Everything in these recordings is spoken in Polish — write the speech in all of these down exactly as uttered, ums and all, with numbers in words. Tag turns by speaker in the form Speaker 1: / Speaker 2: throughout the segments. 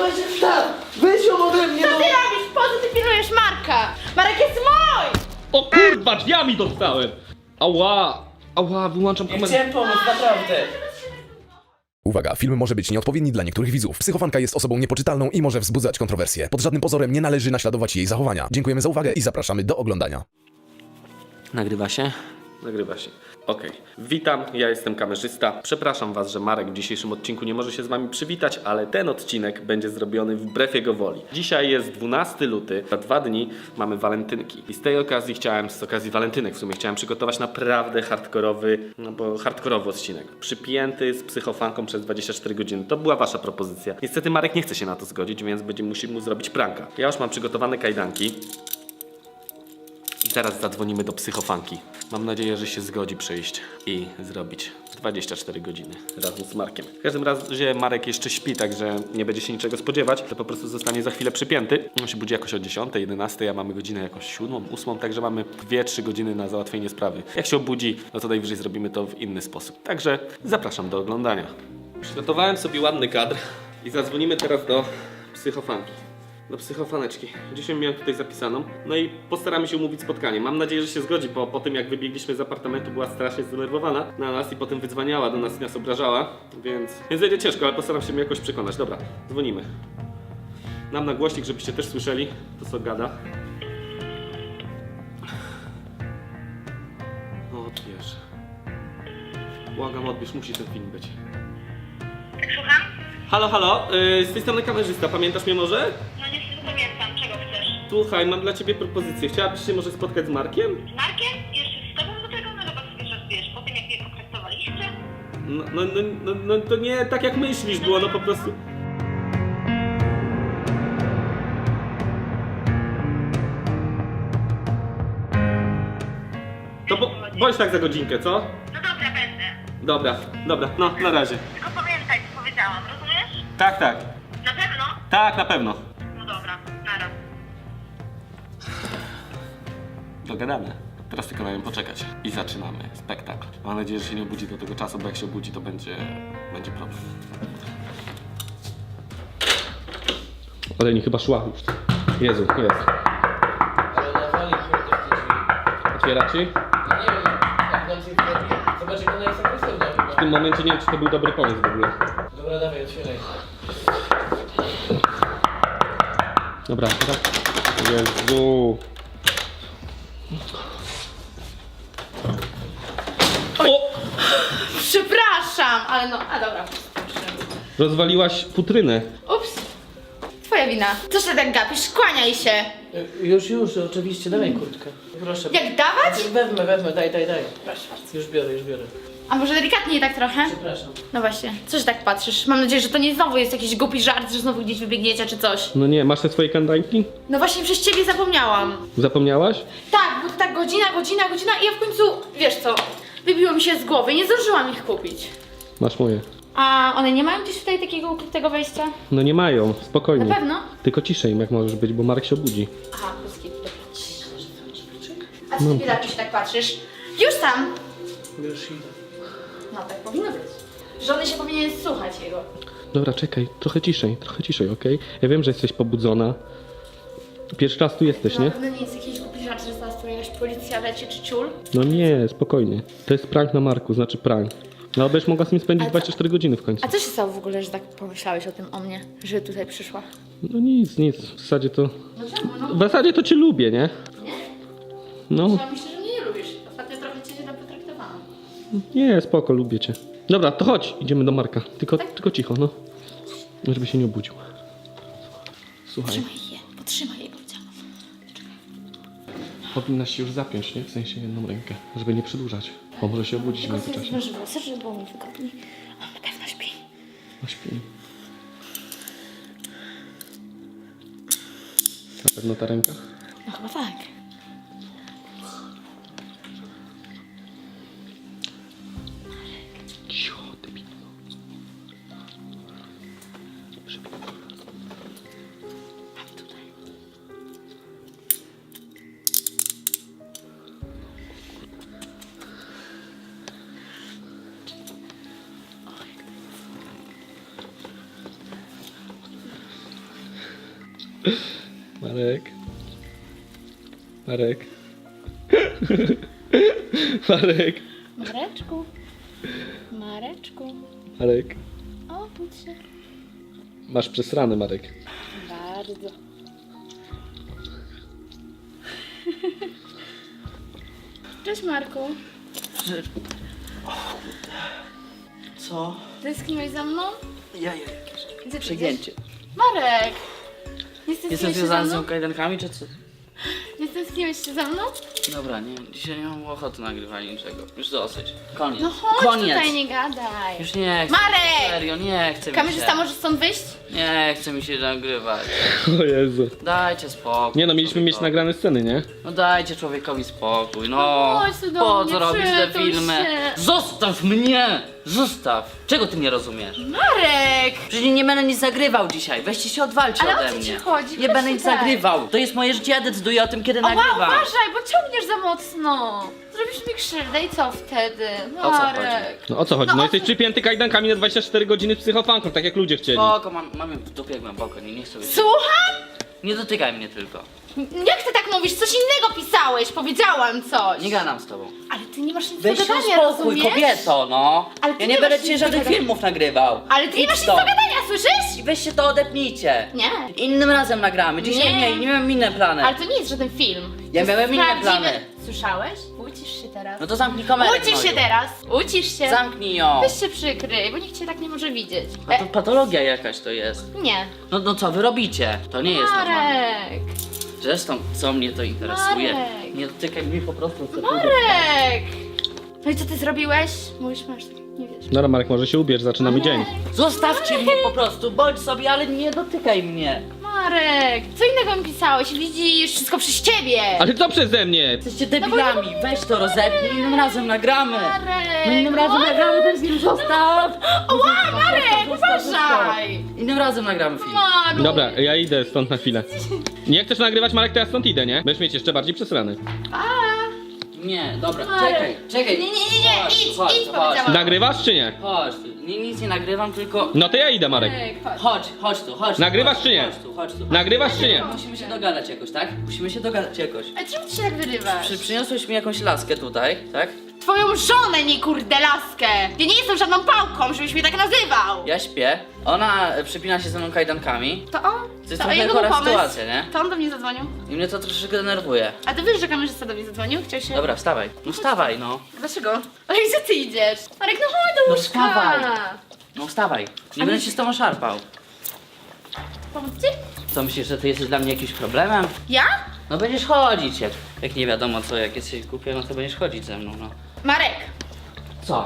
Speaker 1: Dawaj się wstaw! Weź ją ode mnie,
Speaker 2: Co
Speaker 1: no!
Speaker 2: ty robisz? Po co ty pilnujesz Marka? Marek jest mój!
Speaker 3: O kurwa, drzwiami dostałem! Ała! Ała, wyłączam
Speaker 1: Nie
Speaker 3: kamerę.
Speaker 1: chciałem pomóc, naprawdę!
Speaker 4: Uwaga, film może być nieodpowiedni dla niektórych widzów. Psychofanka jest osobą niepoczytalną i może wzbudzać kontrowersje. Pod żadnym pozorem nie należy naśladować jej zachowania. Dziękujemy za uwagę i zapraszamy do oglądania.
Speaker 3: Nagrywa się? Nagrywa się. Okej. Witam, ja jestem kamerzysta. Przepraszam was, że Marek w dzisiejszym odcinku nie może się z wami przywitać, ale ten odcinek będzie zrobiony wbrew jego woli. Dzisiaj jest dwunasty luty, za dwa dni mamy walentynki. I z tej okazji chciałem, z okazji walentynek w sumie, chciałem przygotować naprawdę hardkorowy, no bo hardkorowy odcinek. Przypięty z psychofanką przez dwadzieścia cztery godziny. To była wasza propozycja. Niestety Marek nie chce się na to zgodzić, więc będziemy musieli mu zrobić pranka. Ja już mam przygotowane kajdanki. I zaraz zadzwonimy do psychofanki. Mam nadzieję, że się zgodzi przyjść i zrobić dwadzieścia cztery godziny razem z Markiem. W każdym razie Marek jeszcze śpi, także nie będzie się niczego spodziewać. To po prostu zostanie za chwilę przypięty. On się budzi jakoś o dziesiątej, jedenastej, a mamy godzinę jakąś siódmą, ósmą, także mamy dwie trzy godziny na załatwienie sprawy. Jak się obudzi, no to najwyżej zrobimy to w inny sposób. Także zapraszam do oglądania. Przygotowałem sobie ładny kadr i zadzwonimy teraz do psychofanki. Do psychofaneczki. Dzisiaj miałem tutaj zapisaną. No i postaramy się umówić spotkanie. Mam nadzieję, że się zgodzi, bo po tym jak wybiegliśmy z apartamentu była strasznie zdenerwowana na nas i potem wydzwaniała do nas i nas obrażała, więc... Więc będzie ciężko, ale postaram się mnie jakoś przekonać. Dobra, dzwonimy. Nam na głośnik, żebyście też słyszeli to, co gada. Odbierz. Błagam, odbierz, musi ten film być.
Speaker 5: Słucham?
Speaker 3: Halo, halo, yy, z tej strony kamerzysta, pamiętasz mnie może?
Speaker 5: No niestety pamiętam, czego chcesz.
Speaker 3: Słuchaj, mam dla ciebie propozycję. Chciałabyś się może spotkać z Markiem?
Speaker 5: Z Markiem? Jeszcze z tobą do tego? No chyba sobie żartujesz. Po tym jak mnie potraktowaliście?
Speaker 3: No, no, no, no, no to nie tak jak myślisz było, no po prostu... To bo, bądź tak za godzinkę, co?
Speaker 5: No dobra, będę.
Speaker 3: Dobra, dobra, no na razie.
Speaker 5: Tylko pamiętaj, co powiedziałam, rozumiesz?
Speaker 3: Tak, tak,
Speaker 5: Na pewno?
Speaker 3: tak, na pewno.
Speaker 5: No dobra, nara.
Speaker 3: Dogadane. Teraz tylko na nią poczekać. I zaczynamy spektakl. Mam nadzieję, że się nie obudzi do tego czasu, bo jak się obudzi, to będzie, będzie problem. Oleni chyba szła już. Jezu, jest.
Speaker 1: Ale nawali kurde w te drzwi.
Speaker 3: Otwiera ci?
Speaker 1: No nie wiem, jak nam się zrobi. Zobacz, jak ona jest agresywna
Speaker 3: W
Speaker 1: chyba.
Speaker 3: tym momencie nie wiem, czy to był dobry pomysł w ogóle.
Speaker 1: Dobra, dawaj, otwieraj.
Speaker 3: Dobra, teraz... Jezu. O!
Speaker 2: Przepraszam, ale no, a dobra.
Speaker 3: Rozwaliłaś futrynę.
Speaker 2: Ups. Twoja wina. Co się tak gapisz? Kłaniaj się.
Speaker 1: Y, Już, już, oczywiście, dawaj kurtkę. Proszę.
Speaker 2: Jak dawać?
Speaker 1: Wezmę, wezmę, daj, daj, daj.
Speaker 2: Proszę bardzo.
Speaker 1: Już biorę, już biorę.
Speaker 2: A może delikatniej tak trochę?
Speaker 1: Przepraszam.
Speaker 2: No właśnie, co się tak patrzysz? Mam nadzieję, że to nie znowu jest jakiś głupi żart, że znowu gdzieś wybiegniecie czy coś.
Speaker 3: No nie, masz te swoje kandańki?
Speaker 2: No właśnie przez ciebie zapomniałam.
Speaker 3: Zapomniałaś?
Speaker 2: Tak, bo to tak godzina, godzina, godzina i ja w końcu, wiesz co, wybiło mi się z głowy, nie zdążyłam ich kupić.
Speaker 3: Masz moje.
Speaker 2: A one nie mają gdzieś tutaj takiego ukrytego wejścia?
Speaker 3: No nie mają, spokojnie.
Speaker 2: Na pewno?
Speaker 3: Tylko ciszej jak możesz być, bo Marek się obudzi.
Speaker 2: Aha, polski, dobra. A co ty na się tak patrzysz? Już tam!
Speaker 1: Już idę.
Speaker 2: No tak powinno być. Żony się powinien słuchać jego.
Speaker 3: Dobra, czekaj, trochę ciszej, trochę ciszej, okej? Ja wiem, że jesteś pobudzona. Pierwszy raz tu jesteś,
Speaker 2: Na
Speaker 3: nie?
Speaker 2: pewno nie jest jakiś głupi żart, że zaraz tu jakaś policja leci czy ciul.
Speaker 3: No nie, spokojnie. To jest prank na Marku, znaczy prank. No będziesz mogła z nim spędzić
Speaker 2: Ale co-
Speaker 3: dwadzieścia cztery godziny w końcu.
Speaker 2: A co się stało w ogóle, że tak pomyślałeś o tym o mnie, że tutaj przyszła?
Speaker 3: No nic, nic, w zasadzie to...
Speaker 2: No czemu? No,
Speaker 3: W zasadzie to cię lubię, nie?
Speaker 2: nie?
Speaker 3: No,
Speaker 2: Ja myślę, że mnie nie lubisz. Ostatnio trochę cię źle potraktowałam.
Speaker 3: nie, spoko, lubię cię. Dobra, to chodź, idziemy do Marka. Tylko, tylko cicho, no. Żeby się nie obudził. Słuchaj,
Speaker 2: Trzymaj je, potrzymaj je, powiedziałam.
Speaker 3: powinnaś się już zapiąć, nie? W sensie jedną rękę, żeby nie przedłużać. Bo może się obudzić w
Speaker 2: Tylko sobie
Speaker 3: międzyczasie.
Speaker 2: zmęży włosy, żeby było mi wygodniej. On na pewno śpi.
Speaker 3: No śpi. Na pewno ta ręka?
Speaker 2: No chyba tak.
Speaker 3: Cicho, debil.
Speaker 2: Mam tutaj.
Speaker 3: Marek. Marek. Marek.
Speaker 2: Mareczku. Mareczku.
Speaker 3: Marek.
Speaker 2: Obudź się.
Speaker 3: Masz przesrany, Marek.
Speaker 2: Bardzo. Cześć Marku.
Speaker 6: Co?
Speaker 2: Tęskniłeś za mną?
Speaker 6: Ja, ja,
Speaker 2: Gdzie ty
Speaker 6: przegięcie.
Speaker 2: idziesz? Marek! Nie
Speaker 6: Jestem
Speaker 2: stęskniłeś się za
Speaker 6: związany z
Speaker 2: mną?
Speaker 6: tą kajdankami, czy co?
Speaker 2: Nie stęskniłeś się za mną?
Speaker 6: Dobra, nie, dzisiaj nie mam ochoty nagrywania niczego. Już dosyć. Koniec.
Speaker 2: No chodź
Speaker 6: Koniec.
Speaker 2: tutaj, nie gadaj.
Speaker 6: Już nie chcę.
Speaker 2: Marek!
Speaker 6: Serio, nie chcę mi
Speaker 2: Kamerzysta
Speaker 6: się.
Speaker 2: może stąd wyjść?
Speaker 6: Nie chcę mi się nagrywać.
Speaker 3: O Jezu.
Speaker 6: Dajcie spokój.
Speaker 3: Nie no, mieliśmy mieć
Speaker 6: człowiekowi.
Speaker 3: nagrane sceny, nie?
Speaker 6: No dajcie człowiekowi spokój, no.
Speaker 2: No chodź tu do
Speaker 6: Po
Speaker 2: mnie,
Speaker 6: co robisz te
Speaker 2: przytul
Speaker 6: filmy?
Speaker 2: się.
Speaker 6: Zostaw mnie! Zostaw! Czego ty nie rozumiesz?
Speaker 2: Marek!
Speaker 6: Przecież nie będę nic zagrywał dzisiaj. Weźcie się odwalcie
Speaker 2: Ale o
Speaker 6: ode
Speaker 2: co
Speaker 6: mnie.
Speaker 2: ci chodzi?
Speaker 6: Nie
Speaker 2: Chodź
Speaker 6: będę nic
Speaker 2: tutaj.
Speaker 6: nagrywał. To jest moje życie, ja decyduję o tym, kiedy
Speaker 2: Oła,
Speaker 6: nagrywam.
Speaker 2: uważaj, bo ciągniesz za mocno. Zrobisz mi krzywdę i co wtedy?
Speaker 6: O co
Speaker 2: Marek.
Speaker 3: No o co chodzi?
Speaker 2: No
Speaker 3: No
Speaker 2: o
Speaker 3: jesteś
Speaker 2: co-
Speaker 3: przypięty kajdankami na dwadzieścia cztery godziny z psychofanką, tak jak ludzie chcieli.
Speaker 6: Spoko, mam, mam ją w dupie jak głęboko, nie, nie chcę być.
Speaker 2: Słucham?
Speaker 6: Nie dotykaj mnie tylko.
Speaker 2: Jak ty tak mówisz? Coś innego pisałeś, powiedziałam coś.
Speaker 6: Nie gadam z tobą.
Speaker 2: Ale ty nie masz nic
Speaker 6: Weź
Speaker 2: do
Speaker 6: się
Speaker 2: gadania,
Speaker 6: uspokój,
Speaker 2: rozumiesz?
Speaker 6: kobieto, no.
Speaker 2: Ale ty
Speaker 6: Ja
Speaker 2: nie
Speaker 6: nie
Speaker 2: masz
Speaker 6: będę
Speaker 2: nic
Speaker 6: dzisiaj
Speaker 2: do
Speaker 6: żadnych
Speaker 2: gadania.
Speaker 6: filmów nagrywał.
Speaker 2: Ale ty nie
Speaker 6: Idź
Speaker 2: masz nic do
Speaker 6: stąd.
Speaker 2: gadania, słyszysz?
Speaker 6: I weź się to odepnijcie.
Speaker 2: Nie.
Speaker 6: Innym razem nagramy. Dzisiaj
Speaker 2: Nie.
Speaker 6: nie, nie, miałem inne plany.
Speaker 2: Ale to nie jest żaden film.
Speaker 6: Ja
Speaker 2: To jest
Speaker 6: miałem inne
Speaker 2: prawdziwy-
Speaker 6: plany.
Speaker 2: Słyszałeś? Ucisz się teraz.
Speaker 6: No to zamknij kamerę.
Speaker 2: Ucisz się
Speaker 6: gnoju.
Speaker 2: teraz. Ucisz się.
Speaker 6: Zamknij ją.
Speaker 2: Weź się przykryj, bo nikt cię tak nie może widzieć.
Speaker 6: A to patologia jakaś to jest.
Speaker 2: Nie.
Speaker 6: No, no co wy robicie? To nie jest normalne.
Speaker 2: Marek.
Speaker 6: Zresztą, co mnie to interesuje?
Speaker 2: Marek.
Speaker 6: Nie dotykaj mnie po prostu. chcę
Speaker 2: Marek! No i co ty zrobiłeś? Mówisz, masz, nie wiesz.
Speaker 3: Dobra, Marek, może się ubierz, zaczynamy dzień.
Speaker 6: Zostawcie mnie po prostu, bądź sobie, ale nie dotykaj mnie.
Speaker 2: Marek, co innego mi pisałeś? Widzisz, wszystko przez ciebie!
Speaker 3: Ale co przeze mnie?
Speaker 6: Jesteście debilami, weź to rozepnij, innym razem nagramy.
Speaker 2: Marek!
Speaker 6: No innym razem
Speaker 2: Marek!
Speaker 6: nagramy ten film, zostaw!
Speaker 2: Ła, Marek, uważaj!
Speaker 6: Innym razem nagramy film.
Speaker 2: Maru!
Speaker 3: Dobra, ja idę stąd na chwilę. Nie chcesz nagrywać, Marek, to ja stąd idę, nie? Będziesz mieć jeszcze bardziej przesrany.
Speaker 2: A,
Speaker 6: Nie, dobra,
Speaker 2: Marek.
Speaker 6: czekaj, czekaj.
Speaker 2: Nie, nie, nie, nie,
Speaker 6: Chodź,
Speaker 2: idź,
Speaker 6: chodź,
Speaker 2: idź,
Speaker 6: chodź.
Speaker 2: powiedziałam.
Speaker 3: Nagrywasz czy nie?
Speaker 6: Chodź, tu. Nie, nic nie nagrywam, tylko...
Speaker 3: No to ja idę, Marek.
Speaker 2: Marek, chodź.
Speaker 6: Chodź, chodź tu, chodź tu.
Speaker 3: Nagrywasz
Speaker 6: chodź,
Speaker 3: czy nie?
Speaker 6: Chodź tu, chodź tu.
Speaker 3: Nagrywasz czy nie?
Speaker 6: Musimy się dogadać jakoś, tak? Musimy się dogadać jakoś.
Speaker 2: A czemu ty się tak wyrywasz?
Speaker 6: Przy, przyniosłeś mi jakąś laskę tutaj, tak?
Speaker 2: Twoją żonę, nie kurde laskę! Ja nie jestem żadną pałką, żebyś mnie tak nazywał!
Speaker 6: Ja śpię, ona e, przypina się ze mną kajdankami.
Speaker 2: To on?
Speaker 6: To jest
Speaker 2: To
Speaker 6: trochę
Speaker 2: jego
Speaker 6: chora
Speaker 2: był pomysł.
Speaker 6: sytuacja, nie?
Speaker 2: To on do mnie zadzwonił.
Speaker 6: I mnie to troszeczkę denerwuje.
Speaker 2: A ty wiesz, że kamerzysta do mnie zadzwonił? Chciał się...
Speaker 6: Dobra, wstawaj. No wstawaj, no.
Speaker 2: Dlaczego? Ale gdzie ty idziesz? Marek, no chodź do
Speaker 6: No
Speaker 2: łóżka!
Speaker 6: wstawaj. No wstawaj. Nie
Speaker 2: Ale-
Speaker 6: będę się z tobą szarpał.
Speaker 2: Pomóc ci?
Speaker 6: Co myślisz, że ty jesteś dla mnie jakimś problemem?
Speaker 2: Ja?
Speaker 6: No będziesz chodzić, jak, jak nie wiadomo co, jak jesteś głupia, no to będziesz chodzić ze mną, no.
Speaker 2: Marek,
Speaker 6: Co?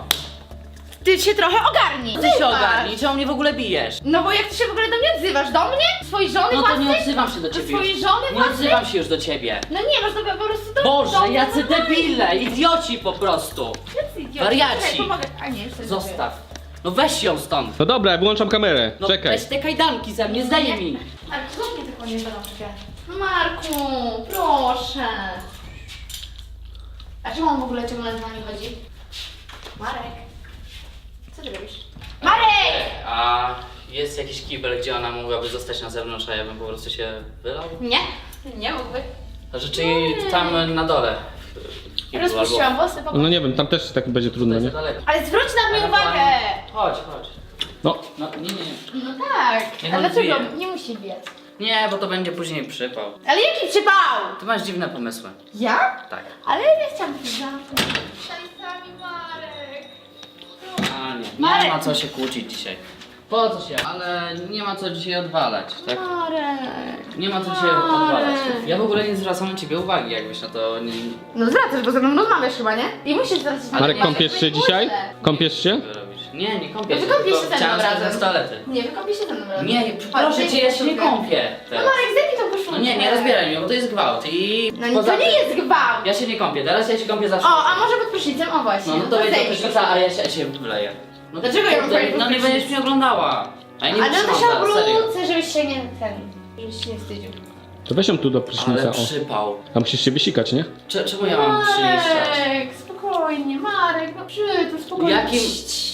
Speaker 2: ty się trochę ogarnij!
Speaker 6: Ty się
Speaker 2: Zobacz.
Speaker 6: ogarnij, czemu mnie w ogóle bijesz?
Speaker 2: No bo jak ty się w ogóle do mnie odzywasz? Do mnie? Swojej żony
Speaker 6: No to
Speaker 2: własnej?
Speaker 6: nie odzywam się do
Speaker 2: Do
Speaker 6: ciebie
Speaker 2: swojej
Speaker 6: już.
Speaker 2: żony
Speaker 6: Nie
Speaker 2: własnej?
Speaker 6: odzywam się już do ciebie.
Speaker 2: No nie, masz do, po prostu do... do
Speaker 6: Boże,
Speaker 2: mnie
Speaker 6: jacy
Speaker 2: normalnie.
Speaker 6: debile, idioci po prostu.
Speaker 2: Jacy idioci?
Speaker 6: Wariaci.
Speaker 2: Czekaj, pomogę. A nie, jeszcze
Speaker 6: Zostaw. No weź ją stąd.
Speaker 3: No dobra, ja wyłączam kamerę.
Speaker 6: No
Speaker 3: Czekaj.
Speaker 6: weź te kajdanki ze mnie, zdejmij.
Speaker 2: Ale co mnie tylko nie zalączkę? Marku, proszę. A czemu on w ogóle ciągle z nami chodzi? Marek, co ty robisz? Marek!
Speaker 6: A jest jakiś kibel, gdzie ona mogłaby zostać na zewnątrz, a ja bym po prostu się wylał?
Speaker 2: Nie, nie mógłby.
Speaker 6: Znaczy, czyli tam na dole. w kiblu,
Speaker 2: Rozpuściłam włosy po
Speaker 3: No nie wiem, tam też tak będzie trudno,
Speaker 6: To
Speaker 3: nie?
Speaker 6: jest za daleko.
Speaker 2: Ale zwróć na mnie uwagę!
Speaker 6: Chodź, chodź.
Speaker 3: No,
Speaker 6: No nie, nie.
Speaker 2: No tak,
Speaker 6: Nie
Speaker 2: a
Speaker 6: no,
Speaker 2: dlaczego?
Speaker 6: bije.
Speaker 2: Nie musi biec.
Speaker 6: Nie, bo to będzie później przypał.
Speaker 2: Ale jaki przypał?
Speaker 6: Ty masz dziwne pomysły.
Speaker 2: Ja?
Speaker 6: Tak.
Speaker 2: Ale ja nie chciałam być zamknąć. Szajsami, Marek.
Speaker 6: A nie, nie
Speaker 2: Marek.
Speaker 6: ma co się kłócić dzisiaj. Po co się? Ale nie ma co dzisiaj odwalać, tak?
Speaker 2: Marek.
Speaker 6: Nie ma co dzisiaj
Speaker 2: Marek.
Speaker 6: odwalać. Ja w ogóle nie zwracam na ciebie uwagi, jakbyś na to nie...
Speaker 2: No zwracasz, bo ze mną rozmawiasz chyba, nie? I musisz zwracać na
Speaker 3: Marek,
Speaker 2: mnie
Speaker 3: kąpiesz
Speaker 2: uwagę.
Speaker 3: się dzisiaj? Kąpiesz się?
Speaker 6: Co robisz? Nie, nie kąpię
Speaker 2: No
Speaker 6: się,
Speaker 2: wykąpiesz
Speaker 6: tylko
Speaker 2: się ze mną
Speaker 6: chciałem
Speaker 2: razem.
Speaker 6: skorzystać z toalety.
Speaker 2: Nie, wykąpię się ze mną razem.
Speaker 6: Nie,
Speaker 2: Chodź,
Speaker 6: proszę
Speaker 2: zejdź
Speaker 6: cię, ja się nie
Speaker 2: koszulkę.
Speaker 6: kąpię
Speaker 2: No
Speaker 6: teraz.
Speaker 2: Marek, zdejmij tą koszulkę.
Speaker 6: No nie, nie rozbieraj mnie, bo to jest gwałt i...
Speaker 2: No nie,
Speaker 6: poza
Speaker 2: to nie
Speaker 6: tym-
Speaker 2: jest gwałt.
Speaker 6: Ja się nie kąpię, teraz ja się kąpię zawsze.
Speaker 2: O, a może pod prysznicem? O właśnie.
Speaker 6: No, no to będzie
Speaker 2: zejdź.
Speaker 6: prysznica, a ja się, ja się wleję. No
Speaker 2: Dlaczego ja mam
Speaker 6: kurde,
Speaker 2: wejść pod
Speaker 6: No nie
Speaker 2: prysznic?
Speaker 6: będziesz mnie oglądała. A ja nie
Speaker 2: Ale no to
Speaker 6: wytrzymam
Speaker 2: się
Speaker 6: zaraz, serio.
Speaker 2: obrócę, żebyś się nie ten... Żebyś się nie wstydził.
Speaker 3: To weź ją tu do prysznica,
Speaker 6: Ale
Speaker 3: o.
Speaker 6: przypał.
Speaker 3: Tam musisz się wysikać, nie?
Speaker 6: Cze- Czemu ja mam przyjeżdżać?
Speaker 2: Marek, spokojnie, Marek, no przytul, spokojnie.
Speaker 6: Jakim-
Speaker 2: Cii, cii, cii.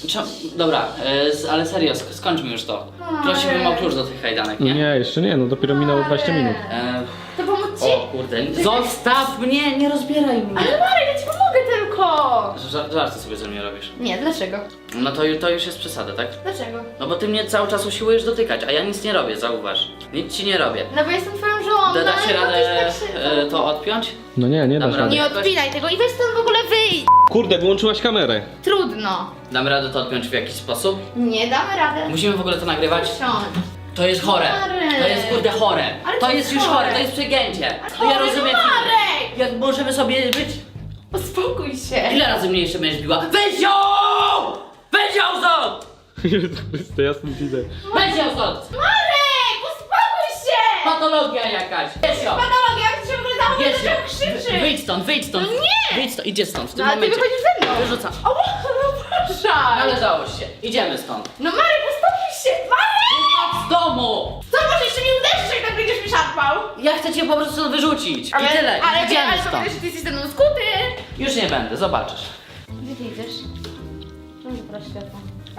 Speaker 6: Czemu? Dobra, e, z- ale serio, sk- skończmy już to. Prosiłbym o klucz do tych kajdanek, nie?
Speaker 3: Nie, jeszcze nie, no dopiero minęło dwadzieścia minut.
Speaker 6: E,
Speaker 2: To pomóc ci?
Speaker 6: o kurde, zostaw mnie, nie rozbieraj mnie.
Speaker 2: Ale Marek, ja ci pomogę tylko!
Speaker 6: Żar- Żarty sobie ze mnie robisz.
Speaker 2: Nie, dlaczego?
Speaker 6: No to, ju- to już jest przesada, tak?
Speaker 2: Dlaczego?
Speaker 6: No bo ty mnie cały czas usiłujesz dotykać, a ja nic nie robię, zauważ. Nic ci nie robię.
Speaker 2: No bo jestem twoją żoną,
Speaker 6: Da, da
Speaker 2: ale
Speaker 6: się
Speaker 2: no
Speaker 6: radę
Speaker 2: to jest tak szybko.
Speaker 6: e, to odpiąć?
Speaker 3: No nie, nie dasz
Speaker 6: Dobra,
Speaker 3: rady.
Speaker 2: Nie odpinaj tego i weź stąd w ogóle wyjdź!
Speaker 3: Kurde, wyłączyłaś kamerę.
Speaker 2: Trudno.
Speaker 6: Damy radę to odpiąć w jakiś sposób?
Speaker 2: Nie damy radę.
Speaker 6: Musimy w ogóle to nagrywać?
Speaker 2: Siądź.
Speaker 6: To jest chore.
Speaker 2: Marek.
Speaker 6: To jest kurde chore.
Speaker 2: Ale
Speaker 6: To
Speaker 2: to
Speaker 6: jest
Speaker 2: jest
Speaker 6: już chore,
Speaker 2: chore.
Speaker 6: to jest przegięcie.
Speaker 2: Ale
Speaker 6: To ja
Speaker 2: chore,
Speaker 6: rozumiem.
Speaker 2: Marek!
Speaker 6: Jak możemy sobie być.
Speaker 2: Uspokój się.
Speaker 6: Ile razy mnie jeszcze będziesz biła? Weź ją! Weź ją stąd!
Speaker 3: To ja stąd idę.
Speaker 6: Weź ją stąd!
Speaker 2: Marek, uspokój się!
Speaker 6: Patologia jakaś! Weź ją!
Speaker 2: Patologia, jak ci się w ogóle dało,
Speaker 6: Wiesz,
Speaker 2: dlaczego krzyczysz?
Speaker 6: wyjdź stąd, wyjdź stąd!
Speaker 2: No nie!
Speaker 6: Wyjdź stąd, idzie stąd w tym
Speaker 2: No, ale ty
Speaker 6: momencie.
Speaker 2: wychodzisz ze mną.
Speaker 6: Wyrzucam.
Speaker 2: O, no proszę.
Speaker 6: Należało się. Idziemy stąd.
Speaker 2: No Marek, uspokój się! Marek!
Speaker 6: Z domu!
Speaker 2: Co, może jeszcze mnie uderzysz, jak tak będziesz mi szarpał?
Speaker 6: Ja chcę cię po prostu stąd wyrzucić. I tyle.
Speaker 2: Ale,
Speaker 6: Idziemy
Speaker 2: ale
Speaker 6: stąd.
Speaker 2: powiesz, że ty jesteś ze mną skuty.
Speaker 6: Już nie będę, zobaczysz.
Speaker 2: Gdzie ty idziesz? Czemu zaprasz światło?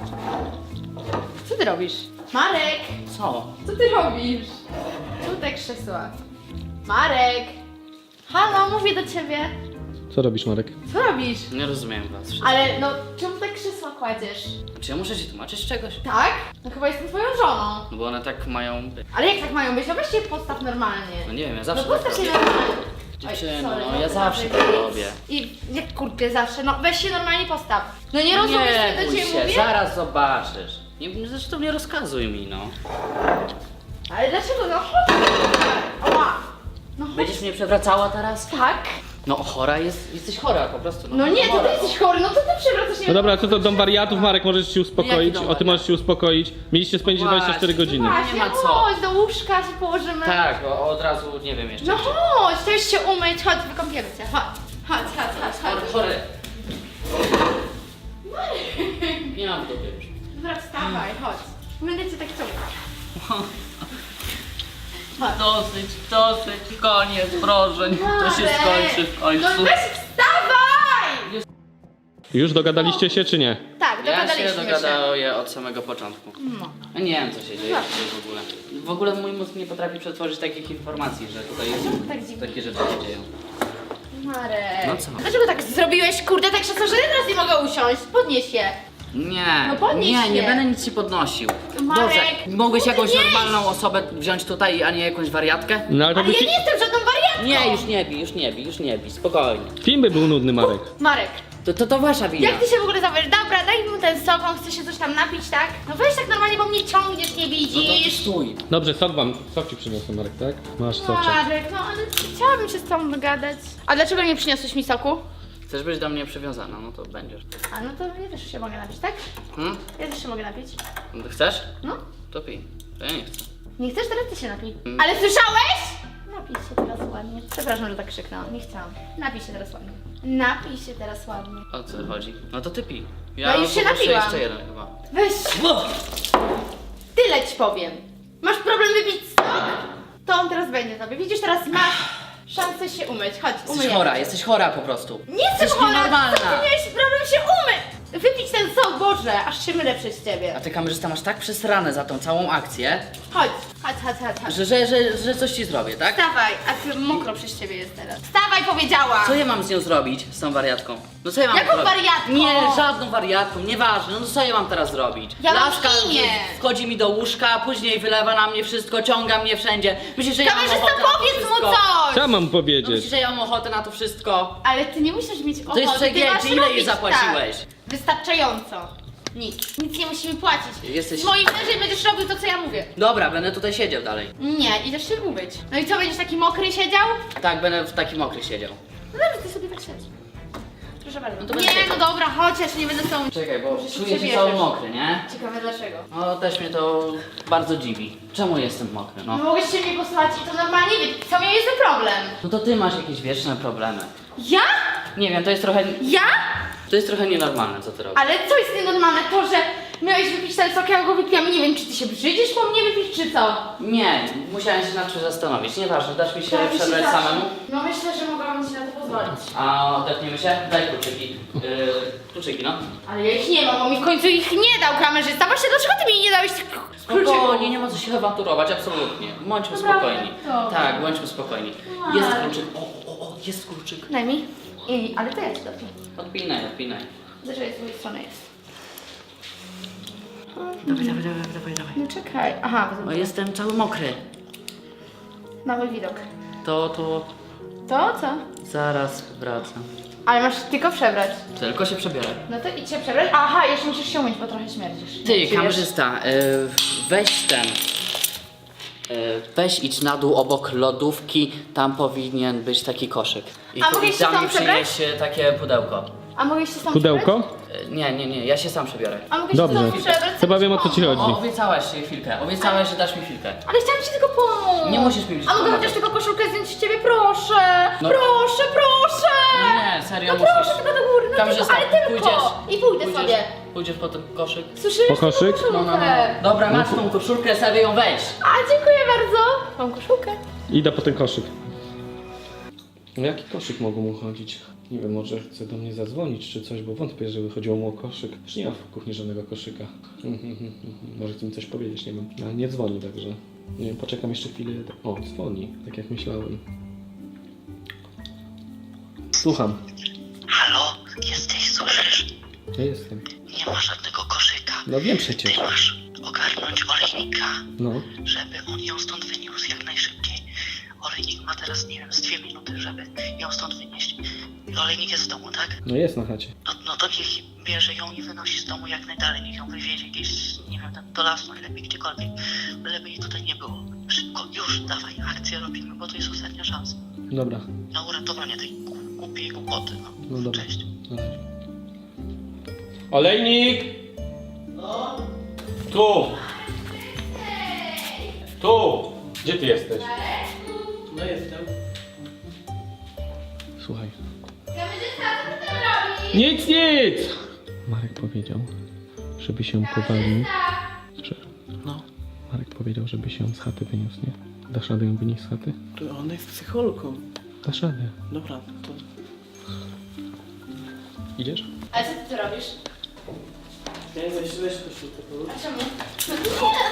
Speaker 2: Co ty robisz? Marek!
Speaker 6: Co?
Speaker 2: Co ty robisz? Czemu te krzesła? Marek! Halo, mówię do ciebie.
Speaker 3: Co robisz, Marek?
Speaker 2: Co robisz?
Speaker 6: Nie rozumiem was wszystkich.
Speaker 2: Ale no, czemu te krzesła kładziesz?
Speaker 6: Czy ja muszę ci tłumaczyć czegoś?
Speaker 2: Tak? No chyba jestem twoją żoną.
Speaker 6: No bo one tak mają być.
Speaker 2: Ale jak tak mają być? No weź się postaw normalnie.
Speaker 6: No nie wiem, ja
Speaker 2: No
Speaker 6: zawsze tak
Speaker 2: postaw się
Speaker 6: robię.
Speaker 2: normalnie. Oj,
Speaker 6: Dziewczyno,
Speaker 2: sorry,
Speaker 6: no ja
Speaker 2: to
Speaker 6: zawsze
Speaker 2: nawet
Speaker 6: tak
Speaker 2: nic.
Speaker 6: robię.
Speaker 2: I jak kurczę zawsze, no weź się normalnie postaw. No nie rozumiesz,
Speaker 6: Nie
Speaker 2: co do
Speaker 6: bój
Speaker 2: ciebie
Speaker 6: się,
Speaker 2: mówię?
Speaker 6: zaraz zobaczysz. Nie, zresztą nie rozkazuj mi, no.
Speaker 2: Ale dlaczego? No chodź. Ała. No chodź.
Speaker 6: Będziesz mnie przewracała teraz?
Speaker 2: Tak?
Speaker 6: No chora jest, jesteś chora po prostu.
Speaker 2: No nie, to
Speaker 6: chora,
Speaker 2: ty jesteś chory, no to ty przewracasz mnie.
Speaker 3: No dobra, co to dom wariatów, Marek, możesz się uspokoić.
Speaker 6: Jaki dom
Speaker 3: O, ty możesz się uspokoić. Mieliście spędzić
Speaker 6: Właśnie.
Speaker 3: dwadzieścia cztery godziny.
Speaker 2: Właśnie,
Speaker 6: Nie ma co.
Speaker 2: chodź, do łóżka się położymy.
Speaker 6: Tak, o, od razu nie wiem jeszcze.
Speaker 2: No chodź, to już się umyć, chodź, wykąpiemy cię, chodź. Chodź, chodź, chodź,
Speaker 6: Chory,
Speaker 2: chodź.
Speaker 6: chory. Nie mam w dupie już.
Speaker 2: Dobra, wstawaj, chodź. Będę cię tak ciągnąć.
Speaker 6: Dosyć, dosyć, koniec, proszę, niech to się
Speaker 2: Marek!
Speaker 6: skończy w końcu.
Speaker 2: No weź wstawaj!
Speaker 3: Już dogadaliście się, czy nie?
Speaker 2: Tak,
Speaker 6: Ja
Speaker 2: dogadaliśmy
Speaker 6: się dogaduję od samego początku.
Speaker 2: No.
Speaker 6: Ja nie wiem, co się dzieje
Speaker 2: Tak.
Speaker 6: tutaj w ogóle. W ogóle mój mózg nie potrafi przetworzyć takich informacji, że tutaj
Speaker 2: Tak dziwnie.
Speaker 6: takie rzeczy się dzieją.
Speaker 2: Marek.
Speaker 6: No co?
Speaker 2: Dlaczego tak zrobiłeś, kurde, tak się że teraz nie mogę usiąść? Podnieś je.
Speaker 6: Nie,
Speaker 2: No podnieś
Speaker 6: nie, nie
Speaker 2: się.
Speaker 6: będę nic ci podnosił.
Speaker 2: Marek,
Speaker 6: Dobrze, mogłeś jakąś
Speaker 2: podnieś.
Speaker 6: normalną osobę wziąć tutaj, a nie jakąś wariatkę?
Speaker 3: No ale to
Speaker 2: Ale
Speaker 3: by
Speaker 2: ja
Speaker 3: fi-
Speaker 2: nie jestem żadną wariatką!
Speaker 6: Nie, już nie bij, już nie bij, już nie bij, spokojnie.
Speaker 3: film by był nudny, Marek.
Speaker 2: Marek,
Speaker 6: To, to, to wasza wina.
Speaker 2: jak ty się w ogóle zawiesz? Dobra, daj mu ten sok, on chce się coś tam napić, tak? No weź tak normalnie, bo mnie ciągniesz, nie
Speaker 6: No to
Speaker 2: widzisz.
Speaker 6: stój.
Speaker 3: Dobrze, sok wam, sok ci przyniosłem, Marek, tak? Masz soczek.
Speaker 2: Marek, no ale chciałabym się z tobą dogadać. A dlaczego nie przyniosłeś mi soku?
Speaker 6: Chcesz być do mnie przywiązana, no to będziesz.
Speaker 2: A no to ja też się mogę napić, tak?
Speaker 6: Hmm?
Speaker 2: Ja też się mogę napić.
Speaker 6: Chcesz?
Speaker 2: No.
Speaker 6: To pij. To ja nie chcę.
Speaker 2: Nie chcesz? Teraz ty się napij.
Speaker 6: Mm.
Speaker 2: Ale słyszałeś? Napij się teraz ładnie. Przepraszam, że tak krzyknąłem. Nie chciałam. Napij się teraz ładnie. Napij się teraz ładnie.
Speaker 6: O co chodzi? No to ty pij.
Speaker 2: No już się
Speaker 6: poproszę
Speaker 2: napiłam.
Speaker 6: jeszcze jeden chyba.
Speaker 2: Weź. Tyle ci powiem. Masz problem wypić sok? To on teraz będzie tobie. Widzisz, teraz masz szansę się umyć. Chodź,
Speaker 6: Jesteś
Speaker 2: umyjemy
Speaker 6: chora,
Speaker 2: cię.
Speaker 6: jesteś chora po prostu.
Speaker 2: Nie jestem
Speaker 6: Jesteś
Speaker 2: chora!
Speaker 6: nienormalna.
Speaker 2: Co ty miałeś problem się umyć? Wypić ten sok, Boże, aż się mylę przez ciebie.
Speaker 6: A ty kamerzysta masz tak przesrane za tą całą akcję,
Speaker 2: Chodź, chodź, chodź, chodź, chodź.
Speaker 6: że, że, że, że coś ci zrobię, tak?
Speaker 2: Wstawaj, a ty mokro przez ciebie jest teraz. Wstawaj, powiedziała!
Speaker 6: Co ja mam z nią zrobić, z tą wariatką? No co ja mam
Speaker 2: Jaką
Speaker 6: zrobić?
Speaker 2: wariatką?
Speaker 6: Nie, żadną wariatką, nieważne, no co ja mam teraz zrobić?
Speaker 2: Ja mam
Speaker 6: Laska
Speaker 2: imię.
Speaker 6: wchodzi mi do łóżka, później wylewa na mnie wszystko, ciąga mnie wszędzie. Myślisz, że ja mam
Speaker 2: Kamerzysta,
Speaker 6: ochotę na to
Speaker 2: powiedz mu
Speaker 6: wszystko?
Speaker 2: coś!
Speaker 3: Co ja mam
Speaker 6: No
Speaker 3: powiedzieć?
Speaker 6: myślisz, że ja mam ochotę na to wszystko?
Speaker 2: Ale ty nie musisz mieć ochoty,
Speaker 6: To jest
Speaker 2: ty
Speaker 6: przegięcie,
Speaker 2: masz
Speaker 6: ile jej
Speaker 2: robić
Speaker 6: zapłaciłeś?
Speaker 2: Tak. Wystarczająco. Nic. Nic nie musimy płacić.
Speaker 6: Jesteś-
Speaker 2: Z moim mężem będziesz robił to, co ja mówię.
Speaker 6: Dobra, będę tutaj siedział dalej.
Speaker 2: Nie, idziesz się umyć. No i co, będziesz taki mokry siedział?
Speaker 6: Tak, będę w takim mokry siedział.
Speaker 2: No dobrze, ty sobie tak siedź. Proszę bardzo.
Speaker 6: No to
Speaker 2: nie,
Speaker 6: będę-
Speaker 2: no dobra, chodź, ja się nie będę z tobą...
Speaker 6: Czekaj, bo
Speaker 2: Może się
Speaker 6: czuję się
Speaker 2: przebierzesz.
Speaker 6: cały mokry, nie?
Speaker 2: Ciekawe dlaczego.
Speaker 6: No też mnie to bardzo dziwi. Czemu jestem mokry,
Speaker 2: No
Speaker 6: no?
Speaker 2: mogłeś się mnie posłuchać i to normalnie wie. Co miałeś za problem?
Speaker 6: No to ty masz jakieś wieczne problemy.
Speaker 2: Ja?
Speaker 6: Nie wiem, to jest trochę...
Speaker 2: Ja?
Speaker 6: To jest trochę nienormalne, co ty robisz.
Speaker 2: Ale co jest nienormalne? To, że Miałeś wypić ten sok, ja go wypiłam i nie wiem, czy ty się brzydzisz po mnie wypić, czy co?
Speaker 6: Nie, musiałem się nad czymś zastanowić. Nieważne, dasz mi się
Speaker 2: Tak,
Speaker 6: przebrać
Speaker 2: się da.
Speaker 6: samemu?
Speaker 2: No myślę, że mogłabym ci na to pozwolić.
Speaker 6: A odetniemy się? Daj kluczyki. Yy, kluczyki, no.
Speaker 2: Ale ja ich nie mam, bo mi w końcu ich nie dał kamerzysta. Właśnie dlaczego ty mi nie dałeś tych kluczyków?
Speaker 6: Spokojnie, nie ma co się awanturować, absolutnie. Bądźmy
Speaker 2: Naprawdę?
Speaker 6: spokojni.
Speaker 2: Dobrze.
Speaker 6: Tak, bądźmy spokojni.
Speaker 2: Tak.
Speaker 6: Jest kluczyk. O, o, o, jest kluczyk.
Speaker 2: Daj mi. I, ale to ja ci dopię.
Speaker 6: Odpinaj, odpinaj.
Speaker 2: Dlaczego z drugiej strony jest?
Speaker 6: Dawaj, dawaj, dawaj, dawaj, dawaj.
Speaker 2: No czekaj. Aha,
Speaker 6: O, jestem cały mokry.
Speaker 2: mały widok.
Speaker 6: To, to...
Speaker 2: To co?
Speaker 6: Zaraz wracam.
Speaker 2: Ale masz tylko przebrać.
Speaker 6: Tylko się przebiorę.
Speaker 2: No to idź się przebrać. Aha, jeszcze musisz się umyć, bo trochę śmierdzisz.
Speaker 6: Ty,
Speaker 2: Czujesz?
Speaker 6: kamerzysta, y, weź ten. Y, weź idź na dół obok lodówki, tam powinien być taki koszyk. I
Speaker 2: A
Speaker 6: tu-
Speaker 2: mogę
Speaker 6: i
Speaker 2: się
Speaker 6: tam
Speaker 2: tam
Speaker 6: mi
Speaker 2: przebrać?
Speaker 6: przynieś y, takie pudełko.
Speaker 2: A mogę się sam
Speaker 7: Pudełko?
Speaker 6: Y, nie, nie, nie, ja się sam przebiorę.
Speaker 2: A mogę się
Speaker 7: Dobrze.
Speaker 2: sam przebrać?
Speaker 7: Chyba wiem, o co ci
Speaker 6: O,
Speaker 7: chodzi.
Speaker 6: obiecałaś się chwilkę, obiecałaś, że dasz mi chwilkę.
Speaker 2: Ale chciałam ci tylko pomóc.
Speaker 6: Nie musisz mi
Speaker 2: A mogę
Speaker 6: pomagać.
Speaker 2: chociaż tylko koszulkę zdjąć z ciebie? Proszę!
Speaker 6: No.
Speaker 2: Proszę, proszę!
Speaker 6: Nie, serio
Speaker 2: No
Speaker 6: musisz.
Speaker 2: proszę, tylko do góry, no
Speaker 6: Kamerzysta,
Speaker 2: tylko, ale tylko.
Speaker 6: pójdziesz.
Speaker 2: I pójdę
Speaker 6: pójdziesz,
Speaker 2: sobie.
Speaker 6: Pójdziesz po ten koszyk.
Speaker 2: Słyszysz?
Speaker 7: Po koszyk?
Speaker 2: Tą
Speaker 6: No, no, no.
Speaker 2: koszulkę.
Speaker 6: Dobra, masz tą koszulkę, sobie ją weź.
Speaker 2: A, dziękuję bardzo. Mam koszulkę.
Speaker 7: Idę po ten koszyk. O jaki koszyk mogło mu chodzić? Nie wiem, może chce do mnie zadzwonić czy coś, bo wątpię, żeby chodziło mu o koszyk. Już nie ma w kuchni żadnego koszyka. Może chce mi coś powiedzieć, nie wiem. Ale nie dzwoni, także... Nie wiem, poczekam jeszcze chwilę. O, dzwoni, tak jak myślałem. Słucham.
Speaker 5: Halo, jesteś, słyszysz?
Speaker 7: Ja jestem.
Speaker 5: Nie ma żadnego koszyka.
Speaker 7: No wiem przecież.
Speaker 5: Ty masz ogarnąć olejnika,
Speaker 7: No.
Speaker 5: żeby on ją stąd wyniósł jak najszybciej. Olejnik ma teraz, nie wiem, z dwie minuty, żeby ją stąd wynieść. Olejnik jest w domu, tak?
Speaker 7: No jest na chacie.
Speaker 5: No, no to niech bierze ją i wynosi z domu jak najdalej. Niech ją wywiezie gdzieś, nie wiem, tam do lasu, najlepiej gdziekolwiek. Byleby jej tutaj nie było. Szybko, już, dawaj, akcję robimy, bo to jest ostatnia szansa
Speaker 7: Dobra.
Speaker 5: na uratowanie tej głupiej głupoty. No,
Speaker 7: No dobra.
Speaker 5: Cześć.
Speaker 7: Na razie. Olejnik! No? Tu! Tu! Gdzie ty jesteś?
Speaker 1: No jestem.
Speaker 7: Słuchaj.
Speaker 2: Kamerzysta, co ty tam robisz?
Speaker 7: Nic, nic! Marek powiedział, żeby się powalił. Że...
Speaker 1: No.
Speaker 7: Marek powiedział, żeby się z chaty wyniósł, nie? Dasz radę ją wynieść z chaty?
Speaker 1: To ona jest psychologą.
Speaker 7: Dasz radę.
Speaker 1: Dobra, to...
Speaker 7: Idziesz?
Speaker 2: Ale co ty tu robisz?
Speaker 1: Ja nie weź, weź koszulkę, połóż.
Speaker 2: A czemu? No nie.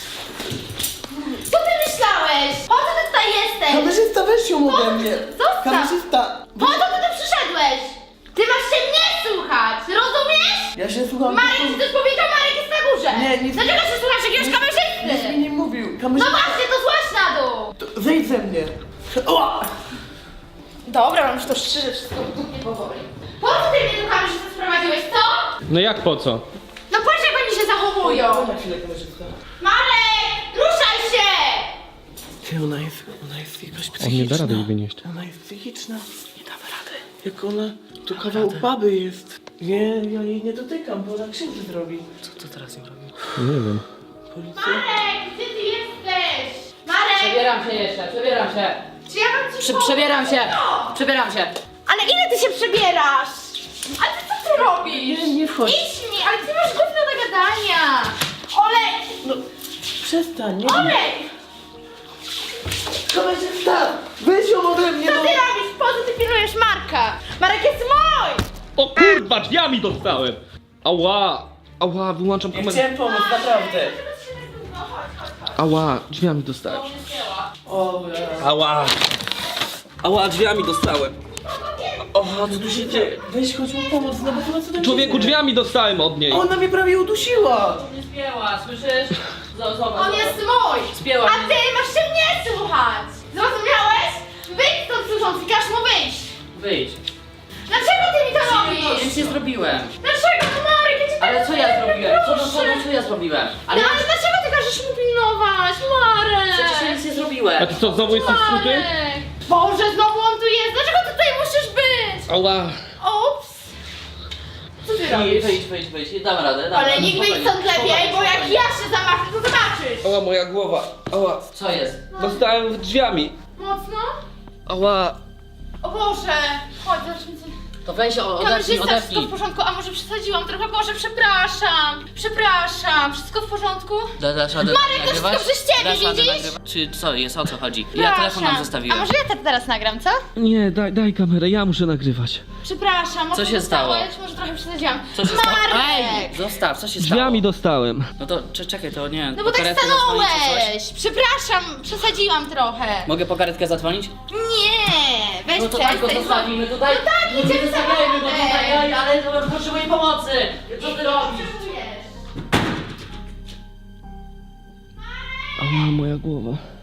Speaker 2: Co ty myślałeś? Po co ty tutaj jesteś?
Speaker 1: Kamerzysta, weź ją ode mnie!
Speaker 2: Zostaw!
Speaker 1: Kamerzysta!
Speaker 2: Po co ty tu przyszedłeś? Ty masz się mnie słuchać, rozumiesz?
Speaker 1: Ja się słucham...
Speaker 2: Marek ci coś powiedział, Marek jest na górze.
Speaker 1: Nie, nic-
Speaker 2: Dlaczego się słuchasz jakiegoś
Speaker 1: Nic mi
Speaker 2: kamerzysty?
Speaker 1: nie mówił.
Speaker 2: No
Speaker 1: Kamerzysta...
Speaker 2: właśnie, to złaź na dół.
Speaker 1: To Zejdź ze mnie! Ła!
Speaker 2: Dobra, mam już to szczerze wszystko nie powoli. Po co ty mnie tu kamerzystę sprowadziłeś, co?
Speaker 7: No jak po co?
Speaker 2: No patrz jak oni się zachowują.
Speaker 1: Na chwilę, kamerzysta.
Speaker 2: Marek, ruszaj się!
Speaker 1: Ty, ona jest... Ona jest jakaś psychiczna.
Speaker 7: On nie da rady jej wynieść.
Speaker 1: Ona jest psychiczna. Nie damy rady. Jak ona... Tu kawał baby jest. Nie, ja jej nie dotykam, bo ona krzywdę zrobi.
Speaker 6: Co to teraz im robi?
Speaker 7: Nie wiem.
Speaker 1: Policja?
Speaker 2: Marek, gdzie ty jesteś? Marek,
Speaker 6: Przebieram się jeszcze, przebieram się.
Speaker 2: czy ja mam ci
Speaker 6: Prze
Speaker 2: pomóc?
Speaker 6: przebieram się, przebieram się.
Speaker 2: Ale ile ty się przebierasz? Ale ty co ty robisz?
Speaker 1: Nie, nie wchodź.
Speaker 2: Idź mi, ale ty masz gówno do gadania. Olej,
Speaker 1: No, przestań, nie?
Speaker 2: olej!
Speaker 1: Kamerzysta! Weź ją ode mnie,
Speaker 2: Co
Speaker 1: no!
Speaker 2: ty robisz? Po co ty pilnujesz Marka? Marek jest mój!
Speaker 7: O kurwa, drzwiami dostałem! Ała! Ała, wyłączam
Speaker 1: Ja
Speaker 7: kamerę.
Speaker 1: chciałem pomóc, naprawdę.
Speaker 2: No chodź, chodź, chodź.
Speaker 7: Ała, drzwiami dostałem.
Speaker 1: O, ja.
Speaker 7: Ała! Ała, drzwiami dostałem.
Speaker 1: O, co tu się dzieje? Weź, chodź mu pomóc, no bo to na co tam
Speaker 7: Człowieku,
Speaker 1: się dzieje?
Speaker 7: drzwiami dostałem od niej.
Speaker 1: Ona mnie prawie udusiła!
Speaker 6: Nie spięła, słyszysz? Z- Zobacz,
Speaker 2: On jest mój!
Speaker 6: Spięła
Speaker 2: A
Speaker 6: mnie.
Speaker 2: ty masz się mnie słuchać! Zrozumiałeś? Wyjdź stąd służący, każ mu wyjść!
Speaker 6: Wyjdź.
Speaker 2: Dlaczego ty mi to robisz?
Speaker 6: Nic nie zrobiłem.
Speaker 2: Dlaczego? No Marek, ja cię
Speaker 6: Ale
Speaker 2: tak
Speaker 6: co ja
Speaker 2: lubię,
Speaker 6: zrobiłem? Co, no, co,
Speaker 2: proszę.
Speaker 6: no, co ja zrobiłem?
Speaker 2: No
Speaker 6: Ale ja
Speaker 2: ale dlaczego ty każesz mu pilnować? Marek!
Speaker 6: przecież ja nic nie zrobiłem.
Speaker 7: A ty co, znowu jesteś skuty?
Speaker 2: Marek! Boże, znowu on tu jest! Dlaczego ty tutaj musisz być?
Speaker 7: Ała!
Speaker 2: Ups! Co ty
Speaker 6: Wyjdź,
Speaker 2: robisz?
Speaker 6: wyjdź, wyjdź, wyjdź. Dam radę, dam
Speaker 2: Ale
Speaker 6: radę.
Speaker 2: nikt wyjdź
Speaker 6: Spokojnie,
Speaker 2: stąd lepiej,
Speaker 6: spokojnie,
Speaker 2: bo jak
Speaker 6: spokojnie.
Speaker 2: ja się zamarzę, to zobaczysz!
Speaker 7: Ała, moja głowa. Ała.
Speaker 6: Co jest?
Speaker 7: Dostałem drzwiami.
Speaker 2: Mocno?
Speaker 7: Ała.
Speaker 2: O Boże! Chodź, zacznij coś.
Speaker 6: To weź, o- odepnij,
Speaker 2: Kamerzysta, wszystko
Speaker 6: odepnij.
Speaker 2: w porządku, a może przesadziłam trochę? Boże, przepraszam, przepraszam, wszystko w porządku?
Speaker 6: Da, dasz radę
Speaker 2: Marek, to
Speaker 6: nagrywać?
Speaker 2: wszystko przez ciebie,
Speaker 6: Dasz radę
Speaker 2: widzisz?
Speaker 6: nagrywać? Czy co jest, o co chodzi? Ja telefon nam
Speaker 2: A
Speaker 6: zostawiłem.
Speaker 2: może ja to teraz nagram, co?
Speaker 7: Nie, daj, daj kamerę, ja muszę nagrywać.
Speaker 2: Przepraszam, może
Speaker 6: Co się stało?
Speaker 2: dostałeś? Może trochę przesadziłam.
Speaker 6: Co się stało? Ej,
Speaker 2: Marek!
Speaker 6: zostaw, co się stało?
Speaker 7: Drzwiami dostałem.
Speaker 6: No to cze- czekaj, to nie.
Speaker 2: No
Speaker 6: po
Speaker 2: bo tak
Speaker 6: karetkę zadzwonić czy coś?
Speaker 2: stanąłeś! Przepraszam, przesadziłam trochę.
Speaker 6: Mogę po karetkę zadzwonić?
Speaker 2: Nie, weź
Speaker 6: No to tak go
Speaker 2: przestań.
Speaker 6: zostawimy tutaj.
Speaker 2: No tak,
Speaker 6: nie
Speaker 2: idziemy
Speaker 6: zostawiajmy go
Speaker 2: samochodem.
Speaker 6: tutaj, oj, ale potrzebuję pomocy. Co ty robisz?
Speaker 2: Potrzebujesz.
Speaker 7: Ała, moja głowa.